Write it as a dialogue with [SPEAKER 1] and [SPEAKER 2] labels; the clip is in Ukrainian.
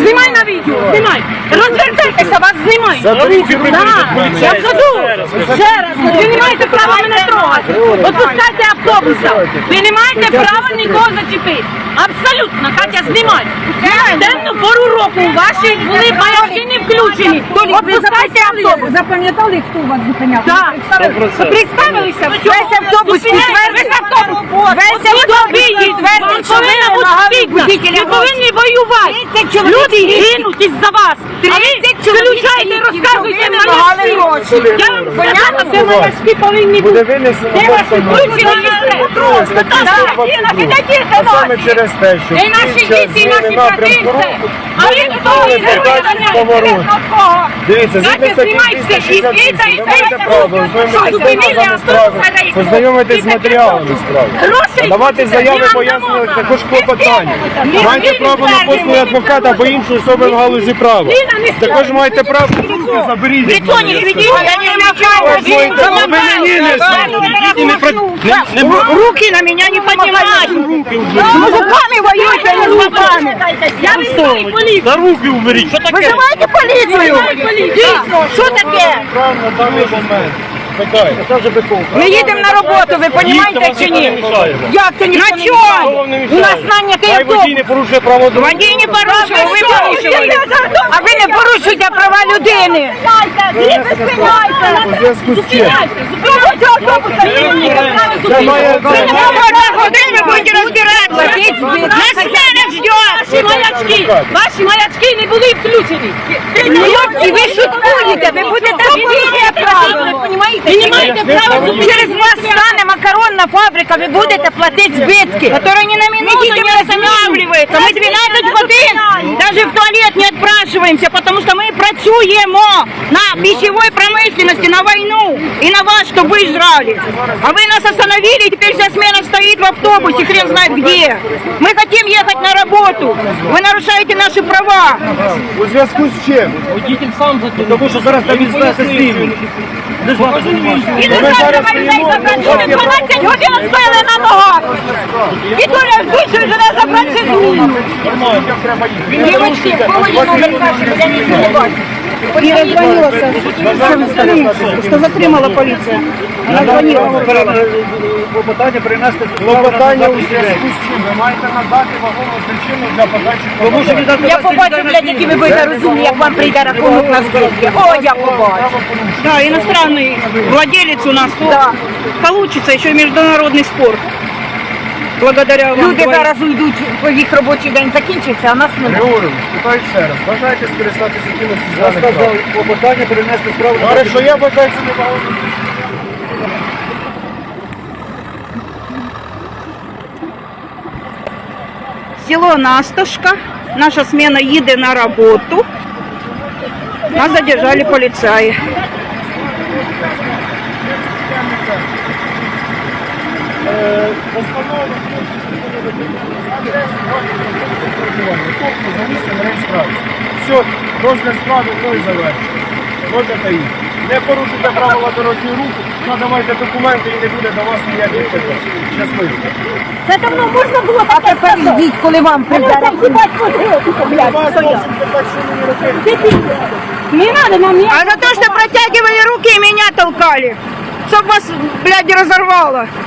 [SPEAKER 1] Знімай на відео, знімай. Розвертайтеся, вас знімають. Я кажу, ще раз, ви не маєте права мене трогати. Отпускайте автобуса. Ви не маєте права нікого зачепити. Абсолютно, Катя, знімай. Темну пору року ваші були маячки не включені. Отпускайте автобус.
[SPEAKER 2] Запам'ятали, хто вас зупиняв?
[SPEAKER 1] Так. Представилися, весь автобус підтвердить. Весь автобус підтвердить, що ви не повинні воювати. Люди гинуть із-за вас. А ви включаєте і розказуєте маячки. Я вам сказала, це маячки повинні бути. Де ваші включені
[SPEAKER 3] Саме через те, що
[SPEAKER 1] і наші діти, і наші брати. А ви хто?
[SPEAKER 3] дивіться, згідно статті 267, давайте право, познайомитись з матеріалами справи. Давати заяви, пояснювати також клопотання. Маєте право на послуги адвоката або іншої особи в галузі права. Також маєте право, заберіть.
[SPEAKER 1] Лицо не сведите, я не замечаю. Руки на меня не поднимать. С мужиками воюйте, а не с бабами. Я вызываю полицию.
[SPEAKER 3] На руки уберіть. Що таке?
[SPEAKER 1] Вызывайте полицию. Що таке?
[SPEAKER 3] На даний момент.
[SPEAKER 1] Ми їдемо на роботу, ви розумієте чи ні? Як це ніхто не мішає? У нас нанятий
[SPEAKER 3] Хай
[SPEAKER 1] автобус.
[SPEAKER 3] водій не порушує право дорожнього.
[SPEAKER 1] Водій не порушує, ви порушили. А ви не порушуєте права людини.
[SPEAKER 3] У зв'язку з чим?
[SPEAKER 1] Ви будете розбиратися. Нас сцена ждет. Ваші маячки не були включені. Хлопці, ви шуткуєте, ви будете відвідати правило. Ви не маєте права. Через вас стане макаронна фабрика, ви будете платити збитки. Которые ни на минуту не останавливаются. Мы 12 годин даже в туалет не отпрашиваемся, потому что мы працюємо на пищевой промышленности, на войну и на вас, чтобы вы жрали. А вы нас остановили, и теперь вся смена стоит в автобусе, хрен знает где. Мы хотим ехать на работу. Вы нарушаете наши права.
[SPEAKER 3] У зв'язку з чим?
[SPEAKER 4] Водитель сам за
[SPEAKER 3] Тому що зараз там відстати слідів.
[SPEAKER 1] І не знаю, людей забрати. 12 годин стояли на ногах. І Толя вдвічі вже забрати зміну. Дівочки, я нічого не бачу.
[SPEAKER 2] Я звонилася, що затримала поліція. Вона звонила.
[SPEAKER 3] Клопотання принести клопотання у зв'язку з чим? Ви маєте надати вагому причину для подачі.
[SPEAKER 1] Я побачу, блядь, які ви будете розумні, як вам прийде рахунок на збитки. О, я побачу.
[SPEAKER 2] Да, иностранный владелец у нас.
[SPEAKER 1] Да.
[SPEAKER 2] Получится еще и международный спор. Благодаря вам.
[SPEAKER 1] Люди зараз уйдуть, їх робочий день закінчиться, а нас не буде.
[SPEAKER 3] Григорій, питаю ще раз. Бажаєте скористатися якимось з даних прав? Я сказав, клопотання принести справу. Хорошо, я бажаю це не багато.
[SPEAKER 2] Село Насташка. Наша смена їде на работу. Нас задержали полицаи.
[SPEAKER 3] За місцем реєстрації. Все, розгляд справи мною завершено. Можете їх. Не порушуйте правила дорожнього руху, надавайте документи і не буде до вас ніяких питань. Щасливо.
[SPEAKER 1] Це давно можна було так. А тепер йдіть, коли вам прийде рахунок.
[SPEAKER 3] Вас можуть так, що мені робити.
[SPEAKER 1] Не надо нам
[SPEAKER 2] А за то, что протягивали руки и меня толкали. Чтоб вас, блядь, разорвало.